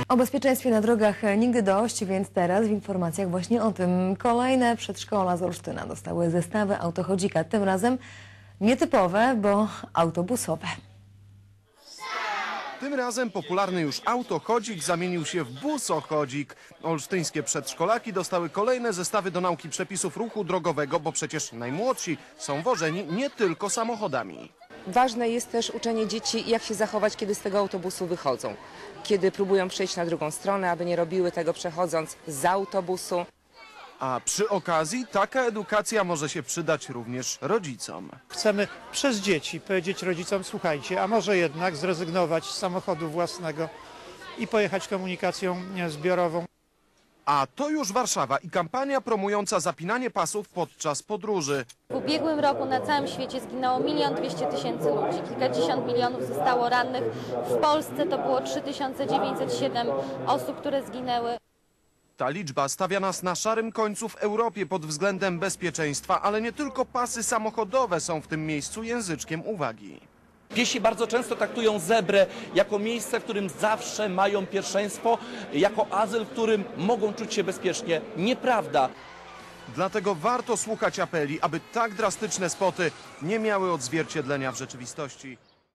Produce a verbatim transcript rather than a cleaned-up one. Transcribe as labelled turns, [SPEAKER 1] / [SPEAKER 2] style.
[SPEAKER 1] O bezpieczeństwie na drogach nigdy dość, więc teraz w informacjach właśnie o tym. Kolejne przedszkola z Olsztyna dostały zestawy autochodzika. Tym razem nietypowe, bo autobusowe.
[SPEAKER 2] Tym razem popularny już autochodzik zamienił się w busochodzik. Olsztyńskie przedszkolaki dostały kolejne zestawy do nauki przepisów ruchu drogowego, bo przecież najmłodsi są wożeni nie tylko samochodami.
[SPEAKER 3] Ważne jest też uczenie dzieci, jak się zachować, kiedy z tego autobusu wychodzą. Kiedy próbują przejść na drugą stronę, aby nie robiły tego przechodząc z autobusu.
[SPEAKER 2] A przy okazji taka edukacja może się przydać również rodzicom.
[SPEAKER 4] Chcemy przez dzieci powiedzieć rodzicom: słuchajcie, a może jednak zrezygnować z samochodu własnego i pojechać komunikacją zbiorową.
[SPEAKER 2] A to już Warszawa i kampania promująca zapinanie pasów podczas podróży.
[SPEAKER 5] W ubiegłym roku na całym świecie zginęło milion dwieście tysięcy ludzi. Kilkadziesiąt milionów zostało rannych. W Polsce to było trzy tysiące dziewięćset siedem osób, które zginęły.
[SPEAKER 2] Ta liczba stawia nas na szarym końcu w Europie pod względem bezpieczeństwa, ale nie tylko pasy samochodowe są w tym miejscu języczkiem uwagi.
[SPEAKER 6] Piesi bardzo często traktują zebrę jako miejsce, w którym zawsze mają pierwszeństwo, jako azyl, w którym mogą czuć się bezpiecznie. Nieprawda.
[SPEAKER 2] Dlatego warto słuchać apeli, aby tak drastyczne spoty nie miały odzwierciedlenia w rzeczywistości.